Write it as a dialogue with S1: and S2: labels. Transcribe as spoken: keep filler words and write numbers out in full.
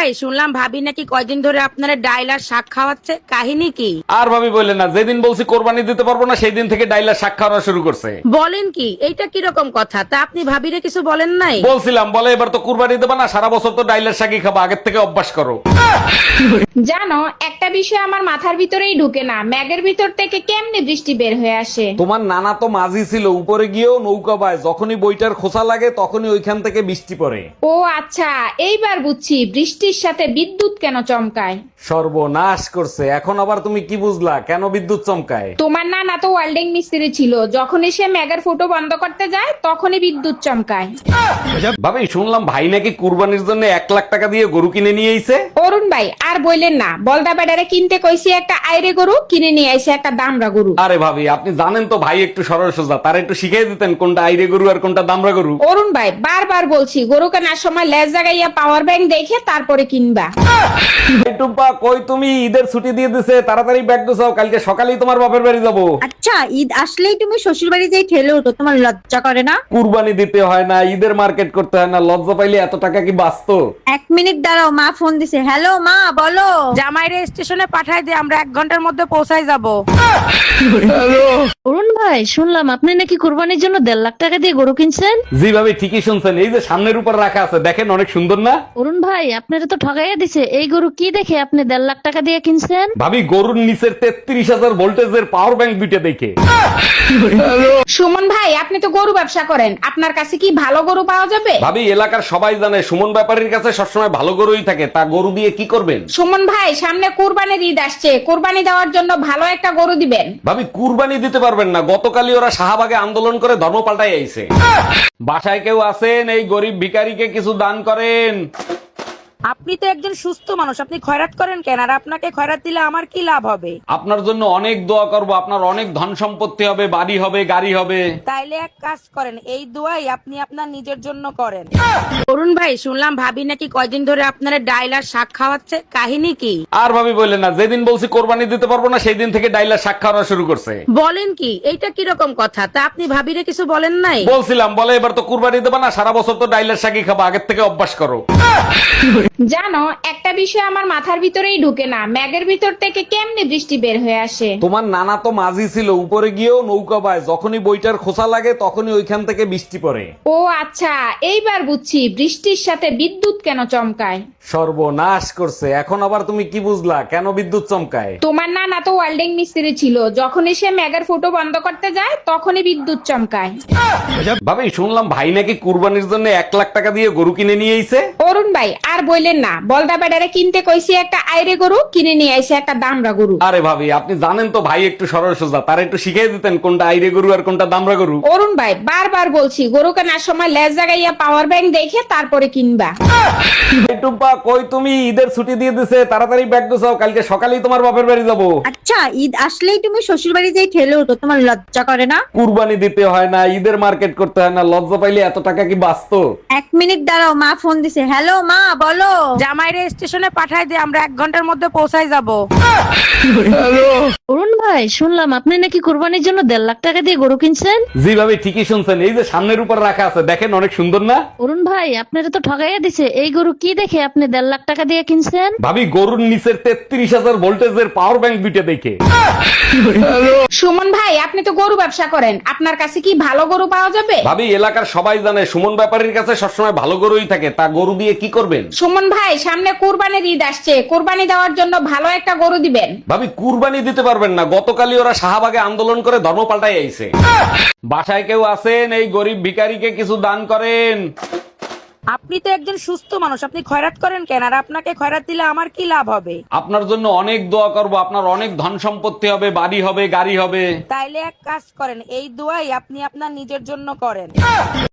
S1: ভাই, শুনলাম ভাবি নাকি কয়দিন ধরে আপনার ডাইল আর শাক খাওয়াচ্ছে, কাহিনী কি?
S2: আর ভাবি বললেন না, যেদিন বলছি কোরবানি দিতে পারবো না সেই দিন থেকে ডাইলার শাক খাওয়া শুরু করছে।
S1: বলেন কি? এইটা কিরকম কথা? তা আপনি ভাবিরে কিছু বলেন নাই?
S2: বলছিলাম, বলে এবার তো কুরবানি দেবা না, সারা বছর তো ডাইলার শাকই খাবা, আগের থেকে অভ্যাস করো।
S3: জানো, একটা বিষয় আমার মাথার ভিতরেই ঢুকে না, ম্যাগের ভিতর থেকে কেমনে বৃষ্টি বের হয়ে আসে?
S2: তোমার নানা তো মাঝি ছিল, উপরে গিয়েও নৌকা বায়, যখনই বইটার খোসা লাগে তখনই ওইখান থেকে বৃষ্টি পড়ে।
S3: ও আচ্ছা, এইবার বুঝছি বৃষ্টির সাথে বিদ্যুৎ কেন চমকায়।
S2: সর্বনাশ করছে, এখন আবার তুমি কি বুঝলা কেন বিদ্যুৎ চমকায়?
S3: তোমার নানা তো ওয়েল্ডিং মিস্ত্রি ছিল, যখনই সে ম্যাগের ফুটো বন্ধ করতে যায় তখনই বিদ্যুৎ চমকায়।
S2: ভাবি শুনলাম ভাই নাকি কুরবানির জন্য এক লাখ টাকা দিয়ে গরু কিনে নিয়ে আইছে।
S3: অরুণ ভাই আর বললেন না, বলদা বেডারে কিনতে কইছি একটা আইরে গরু, কিনে নিয়ে আইছে একটা দামরা গরু।
S2: আরে ভাবি, আপনি জানেন তো ভাই একটু সরল সোজা, তার একটু শিখিয়ে দিতেন কোনটা আইরে গরু আর কোনটা দামরা গরু।
S3: অরুণ ভাই বারবার বলছি, গরু কেনার সময় লেজ জাগাইয়া পাওয়ার ব্যাংক দেখে তারপরে কিনবা।
S2: এই টুম্পা, কই তুমি? ঈদের ছুটি দিয়ে দিছে, তাড়াতাড়ি ব্যাগ গুছাও, কালকে সকালেই তোমার বাপের বাড়ি যাবো।
S4: আচ্ছা, ঈদ আসলেই তুমি শ্বশুর বাড়ি যাই ঠেলে উঠো, তোমার লজ্জা করে না?
S2: কুরবানি দিতে হয় না, ঈদের মার্কেট করতে হয় না, লজ্জা পাইলে এত টাকা কি বাঁচতো?
S4: এক মিনিট দাঁড়াও, মা ফোন দিছে। হ্যালো মা, বলো।
S1: জামাইরে স্টেশনে পাঠাই দিয়ে আমরা এক ঘন্টার মধ্যে পৌঁছাই যাব।
S5: অরুণ ভাই, শুনলাম আপনি নাকি কুরবানির জন্য দেড় লাখ টাকা দিয়ে গরু কিনছেন।
S2: জি ভাবি, ঠিকই শুনছেন, এই যে সামনের উপর রাখা আছে, দেখেন অনেক সুন্দর না?
S5: অরুণ ভাই, আপনারা তো ঠগাইয়া দিছে, এই গরু কি দেখে আপনি দেড় লাখ টাকা দিয়ে কিনছেন?
S2: ভাবি, গরুর নিচের তেত্রিশ হাজার ভোল্টেজের পাওয়ার ব্যাংক দুইটা দেখে।
S3: সুমন ভাই, আপনি তো গরু ব্যবসা করেন, আপনার কাছে কি ভালো গরু পাওয়া যাবে?
S2: ভাবি, এলাকার সবাই জানে সুমন ব্যাপারীর কাছে সবসময় ভালো গরুই থাকে, তা গরু দিয়ে কি করবেন?
S3: সুমন ভাই, সামনে কুরবানির ঈদ আসছে, কুরবানি দেওয়ার জন্য ভালো একটা গরু দিবেন।
S2: ভাবি, কুরবানি দিতে পারবেন না, গতকালই ওরা শাহবাগে আন্দোলন করে ধর্ম পাল্টাই আইছে। বাসায় কেউ আছেন? এই গরিব ভিখারিকে কিছু দান করেন।
S1: আপনি তো একজন সুস্থ মানুষ, আপনি খয়রাত করেন কেন? আর আপনাকে খয়রাত দিলে আমার কি লাভ হবে?
S2: আপনার জন্য অনেক দোয়া করব, আপনার অনেক ধন সম্পত্তি হবে, বাড়ি হবে, গাড়ি হবে।
S1: তাইলে এক কাজ করেন, এই দোয়াই আপনি আপনার নিজের জন্য করেন। অরুণ ভাই, শুনলাম ভাবি নাকি কয়দিন ধরে আপনার ডাইল আর শাক খাওয়াচ্ছে, কাহিনী কি?
S2: আর ভাবি বললেন না, যেদিন বলছি কোরবানি দিতে পারবো না সেই দিন থেকে ডাইলার শাক খাওয়া শুরু করছে।
S1: বলেন কি? এইটা কিরকম কথা? তা আপনি ভাবিরে কিছু বলেন নাই?
S2: বলছিলাম, বলে এবার তো কুরবানি দেবা না, সারা বছর তো ডাইলার শাকই খাবা, আগের থেকে অভ্যাস করো।
S3: জানো, একটা বিষয় আমার মাথার ভিতরেই ঢুকে না, ম্যাগের ভিতর থেকে কেমনে বৃষ্টি বের হয়ে আসে?
S2: তোমার নানা তো মাঝি ছিল, উপরে গিয়েও নৌকা বায়, যখনই বইটার খোসা লাগে তখনই ওইখান থেকে বৃষ্টি পড়ে।
S3: ও আচ্ছা, এইবার বুঝছি বৃষ্টির সাথে বিদ্যুৎ কেন চমকায়।
S2: সর্বনাশ করছে, এখন আবার তুমি কি বুঝলা কেন বিদ্যুৎ চমকায়?
S3: তোমার নানা তো ওয়েল্ডিং মিস্ত্রি ছিল, যখনই সে ম্যাগের ফুটো বন্ধ করতে যায় তখনই বিদ্যুৎ চমকায়।
S2: ভাবি, শুনলাম ভাই নাকি কুরবানির জন্য এক লাখ টাকা দিয়ে গরু কিনে নিয়ে আইছে।
S3: অরুণ ভাই আর বললেন না, বলদা বেডারে কিনতে কইছি একটা আইরে গরু, কিনে নিয়ে আইছে একটা দামরা গরু।
S2: আরে ভাবি, আপনি জানেন তো ভাই একটু সরল সোজা, তার একটু শিখিয়ে দিতেন কোনটা আইরে গরু আর কোনটা দামরা গরু।
S3: অরুণ ভাই বারবার বলছি, গরু কেনার সময় লেজ জাগাইয়া পাওয়ার ব্যাংক দেখে তারপরে কিনবা।
S2: এই টুম্পা, কই তুমি? ঈদের ছুটি দিয়ে দিছে, তাড়াতাড়ি ব্যাগ গুছাও, কালকে সকালেই তোমার বাপের বাড়ি যাবো।
S4: আচ্ছা, ঈদ আসলেই তুমি শ্বশুর বাড়ি যাই ঠেলে উঠো, তোমার লজ্জা করে না?
S2: কুরবানি দিতে হয় না, ঈদের মার্কেট করতে হয় না, লজ্জা পাইলে এত টাকা কি বাঁচতো?
S4: এক মিনিট দাঁড়াও, মা ফোন দিছে। হ্যালো মা, বলো।
S1: জামাইরে স্টেশনে পাঠাই দিয়ে আমরা এক ঘন্টার মধ্যে পৌঁছাই যাব।
S5: অরুণ ভাই, শুনলাম আপনি নাকি কুরবানির জন্য দেড় লাখ টাকা দিয়ে গরু কিনছেন।
S2: জি ভাবি, ঠিকই শুনছেন, এই যে সামনের উপর রাখা আছে, দেখেন অনেক সুন্দর না?
S5: অরুণ ভাই, আপনারা তো ঠগাইয়া দিছে, এই গরু কি দেখে আপনি দেড় লাখ টাকা দিয়ে কিনছেন?
S2: ভাবি, গরুর নিচের তেত্রিশ হাজার ভোল্টেজের পাওয়ার ব্যাংক দুইটা দেখে।
S3: সুমন ভাই, আপনি তো গরু ব্যবসা করেন, আপনার কাছে কি ভালো গরু পাওয়া যাবে?
S2: ভাবি, এলাকার সবাই জানে সুমন ব্যাপারীর কাছে সবসময় ভালো গরুই থাকে, তা গরু দিয়ে কি করবেন?
S3: সুমন ভাই, সামনে কুরবানির ঈদ আসছে, কুরবানি দেওয়ার জন্য ভালো একটা গরু দিবেন।
S2: ভাবি, কুরবানি দিতে পারবেন না, গতকালই ওরা শাহবাগে আন্দোলন করে ধর্ম পাল্টাই আইছে। বাসায় কেউ আছেন? এই গরিব ভিখারিকে কিছু দান করেন।
S1: আপনি তো একজন সুস্থ মানুষ, আপনি খয়রাত করেন কেন? আর আপনাকে খয়রাত দিলে আমার কি লাভ হবে?
S2: আপনার জন্য অনেক দোয়া করব, আপনার অনেক ধন সম্পত্তি হবে, বাড়ি হবে, গাড়ি হবে।
S1: তাইলে এক কাজ করেন, এই দোয়াই আপনি আপনার নিজের জন্য করেন।